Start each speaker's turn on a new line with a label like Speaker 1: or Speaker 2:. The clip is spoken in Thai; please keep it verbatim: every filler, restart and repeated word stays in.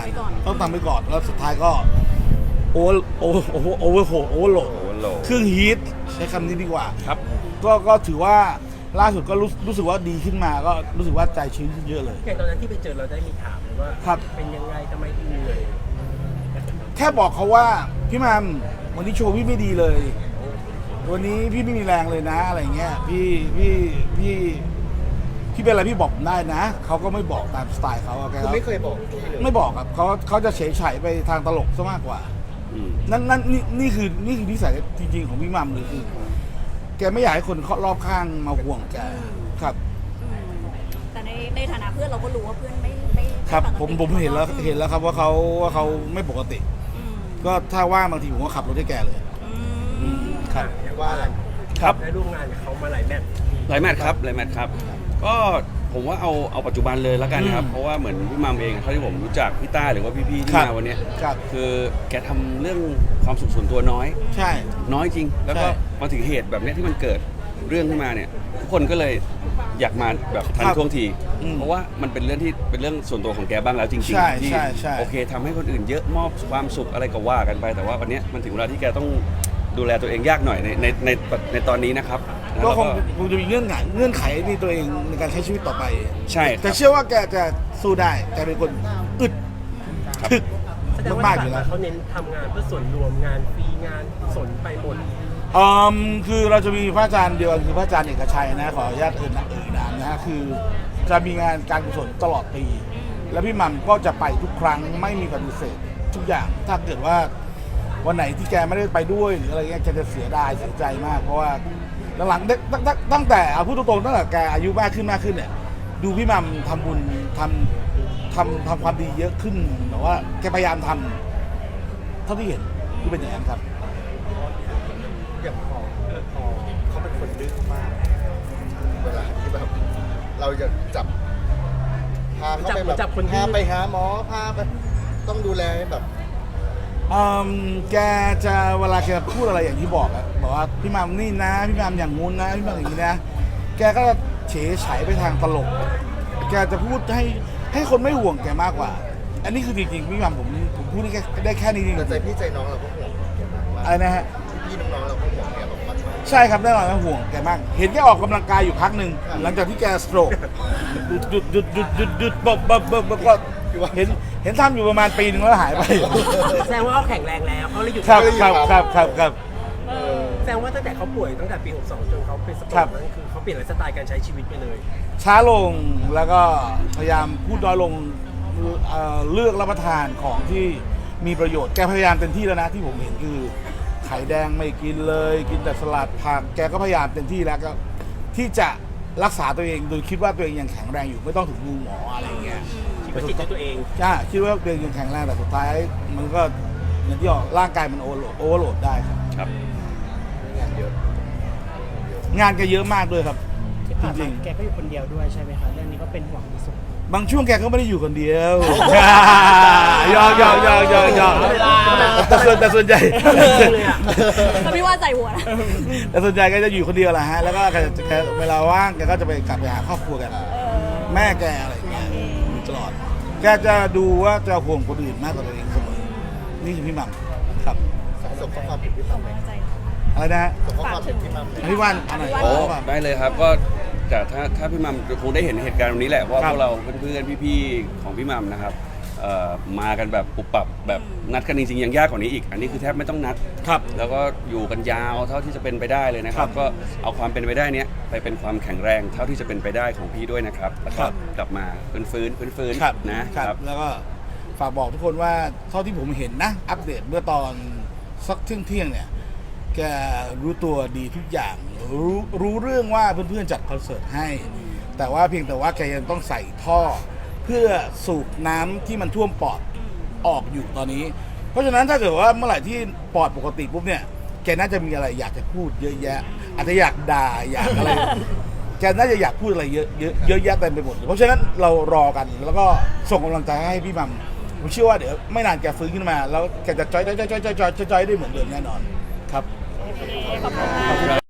Speaker 1: ต้องทำไปก่อนแล้วสุดท้ายก็โอเวอร์โอเวอร์โอเวอร์โอเวอร์โหโอเวอร์โหลดเครื่องฮีทใช้คำนี้ดีกว่า
Speaker 2: ครับ
Speaker 1: ก็ก็ถือว่าล่าสุดก็รู้รู้สึกว่าดีขึ้นมาก็รู้สึกว่าใจชื้นขึ้นเยอะเลย
Speaker 3: อย่างตอนนั้นที่ไปเจอเราได้มีถามเลยว่าเป็นยังไงทำไมถึงเหนื่อย
Speaker 1: แค่บอกเขาว่าพี่มัมวันนี้โชว์พี่ไม่ดีเลยวันนี้พี่ไม่มีแรงเลยนะอะไรเงี้ยพี่พี่พี่พี่เป็นอะไรพี่บอกผมได้นะเขาก็ไม่บอกตามสไตล์เขาแก
Speaker 4: ไม่เคยบอก
Speaker 1: ไม่บอกครับเขาเขาจะเฉยเฉยไปทางตลกซะมากกว่านั่นนั่นนี่นี่คือนี่คือนิสัยจริงๆของพี่มัมเลยคือแกไม่อยากให้คนรอบข้างมาห่วงแกครับ
Speaker 5: แต่ในในฐานะเพื่อนเราก็รู้ว่าเพื่อนไม่ไม่
Speaker 1: ครับผมผมเห็นแล้วเห็นแล้วครับว่าเขาว่าเขาไม่ปกติก็ถ้าว่างบางทีผมก็ขับรถให้แกเลยครับ
Speaker 3: ว่าอะไร
Speaker 2: ครับ
Speaker 3: ได้ร่วมงานกับเขามาหลายแมตช์
Speaker 2: หลายแมตช์ครับหลายแมตช์ครับก็ผมว่าเอาเอาปัจจุบันเลยแล้วกันครับเพราะว่าเหมือนพี่มัมเองเท่าที่ผมรู้จักพี่ต้าหรือว่าพี่ๆที่มาวันนี้คือแกทำเรื่องความสุขส่วนตัวน้อย
Speaker 1: ใช่
Speaker 2: น้อยจริงแล้วก็มาถึงเหตุแบบนี้ที่มันเกิดเรื่องขึ้นมาเนี่ยทุกคนก็เลยอยากมาแบบทันท่วงทีเพราะว่ามันเป็นเรื่องที่เป็นเรื่องส่วนตัวของแกบ้างแล้วจริงๆที่โอเคทำให้คนอื่นเยอะมอบความสุขอะไรก็ว่ากันไปแต่ว่าวันนี้มันถึงเวลาที่แกต้องดูแลตัวเองยากหน่อยในในในในตอนนี้นะครับ
Speaker 1: ก็คงคงจะมีเงื่อนไขเงื่อนไขในตัวเองในการใช้ชีวิตต่อไป
Speaker 2: ใช่
Speaker 1: แต่เชื่อว่าแกจะสู้ได้แกเป็นคนอึดถึก
Speaker 3: แสดงว่าเขาเน้นทำงานเพื่อส่วนรวมงานฟรีงานสนไปหมด
Speaker 1: อืมคือเราจะมีพระอาจารย์เดียวกันคือพระอาจารย์เอกชัยนะขออนุญาตเอ่ยนามเอ่ยนามนะฮะคือจะมีงานการกุศลตลอดปีแล้วพี่มัมก็จะไปทุกครั้งไม่มีปฏิเสธทุกอย่างถ้าเกิดว่าวันไหนที่แกไม่ได้ไปด้วยหรืออะไรเงี้ยแกจะเสียดายเสียใจมากเพราะว่าหลังๆตั้งแต่เอาพูดตรงๆตั้งแต่แกอายุมากขึ้นมากขึ้นเนี่ยดูพี่มัมทำบุญทำทำทำความดีเยอะขึ้นแต่ว่าแกพยายามทำเท่าที่เห็นที่เป็นอย่างนั้นครับ
Speaker 4: อย่างพอพอเขาเป็นคนดื้อมากเวลาที่แบบเราจะจับพาเขาไปแบบพาไปหาหมอพาไปต้องดูแลแบบ
Speaker 1: แกจะเวลาแกพูดอะไรอย่างที่บอกอะบอกว่าพี่มัมนี่นะพี่มัมอย่างงู้นนะพี่มัมอย่างนี้นะแกก็เฉยเฉยไปทางตลกแกจะพูดให้ให้คนไม่ห่วงแกมากกว่าอันนี้คือจริงๆพี่มัมผมผมพูดได้แค่ได้แค่นี้จริง
Speaker 4: ๆใจพี่ใจน้องเราก็ห่วง
Speaker 1: อะไรนะฮะ
Speaker 4: พี่น้องๆเราก็ห่วงแกมาก
Speaker 1: ใช่ครับแน่นอนห่วงแกมากเห็นแกออกกำลังกายอยู่พักหนึ่งหลังจากที่แกสโตรกหยุดหยุดหยุดหยุดหยุดบบบบบบก็เห็นเห็นทำอยู่ประมาณปีนึงแล้วหายไป
Speaker 3: แสดงว่าเขาแข็งแรงแล้วเขาเลยหยุด
Speaker 1: ครับครับครับครับครับ
Speaker 3: แสดงว่าตั้งแต่เขาป่วยตั้งแต่ปีหกสองจนเขาเป็นสโตรกนั่นคือเขาเปลี่ยนไลฟ์สไตล์การใช้ชีวิตไปเลย
Speaker 1: ช้าลงแล้วก็พยายามพูดน้อยลงเลือกรับประทานของที่มีประโยชน์แกพยายามเต็มที่แล้วนะที่ผมเห็นคือไข่แดงไม่กินเลยกินแต่สลัดผักแกก็พยายามเต็มที่แล้วก็ที่จะรักษาตัวเองโดยคิดว่าตัวเองยังแข็งแรงอยู่ไม่ต้องถึงมือหมออะไรอย่างเงี้ย
Speaker 3: คิดว่าจิตตัวเอง
Speaker 1: ใช่คิดว่าตัวเองยังแข็งแรงแต่สุดท้ายมันก็อย่างที่บอกร่างกายมันโอเวอร์โหลดโอเวอร์โหลดได้ครับ
Speaker 2: ครับ
Speaker 4: งานเยอะ
Speaker 1: งานแกเยอะมากด้วยครับจริง
Speaker 6: ๆแกก็อยู่คนเดียวด้วยใช่ไหมคะเรื่องนี้ก็เป็นห่วงที่สุด
Speaker 1: บางช่วงแกก็ไม่ได้อยู่คนเดียวยอกยอกยอกยอกยอกแต่ส่วนแต่ส่วนใหญ่
Speaker 5: ก็ไม่ว่าใจหัวนะ
Speaker 1: แต่ส่วนใหญ่ก็จะอยู่คนเดียวแหละฮะแล้วก็เวลาว่างแกก็จะไปกลับไปหาครอบครัวกันแม่แกอะไรอย่างเงี้ยตลอดแกจะดูว่าจะห่วงคนอื่นมากกว่าตัวเองเสมอนี่คือพี่มัมครับ
Speaker 4: ส่งข้อความถึงพี่มัมไหม
Speaker 1: อะไรนะฮะ
Speaker 4: ส่งข้อความถึงพี่มัม
Speaker 1: พี่วันอะไร
Speaker 2: โอ้ได้เลยครับก็แต่ถ้าถ้าพี่มัมคงได้เห็นเหตุการณ์วันนี้แหละเพราะพวกเราเพื่อนๆพี่ๆของพี่มัมนะครับมากันแบบปุบปับแบบนัดกันจริงๆยังยากกว่านี้อีกอันนี้คือแทบไม่ต้องนัด
Speaker 1: ครับ
Speaker 2: แล้วก็อยู่กันยาวเท่าที่จะเป็นไปได้เลยนะครับก็เอาความเป็นไปได้เนี้ยไปเป็นความแข็งแรงเท่าที่จะเป็นไปได้ของพี่ด้วยนะครับแล้วก็กลับมาฟื้นฟื้นฟื้นฟื้นนะครับ
Speaker 1: แล้วก็ฝากบอกทุกคนว่าเท่าที่ผมเห็นนะอัปเดตเมื่อตอนสักเที่ยงเที่ยงเนี่ยแกรู้ตัวดีทุกอย่างรู้รู้เรื่องว่าเพื่อนๆจัดคอนเสิร์ตให้แต่ว่าเพียงแต่ว่าแกยังต้องใส่ท่อเพื่อสูบน้ำที่มันท่วมปอดออกอยู่ตอนนี้เพราะฉะนั้นถ้าเกิดว่าเมื่อไหร่ที่ปอดปกติปุ๊บเนี่ยแกน่าจะมีอะไรอยากจะพูดเยอะแยะอาจจะอยากด่าอยากอะไรแกน่าจะอยากพูดอะไรเยอะเยอะเยอะแยะเต็มไปหมดเพราะฉะนั้นเรารอกันแล้วก็ส่งกำลังใจให้พี่มัมผมเชื่อว่าเดี๋ยวไม่นานแกฟื้นขึ้นมาแล้วแกจะจอยจอยจอยจอยจอยจอยได้เหมือนเดิมแน่นอนครับ
Speaker 5: ขอบคุณ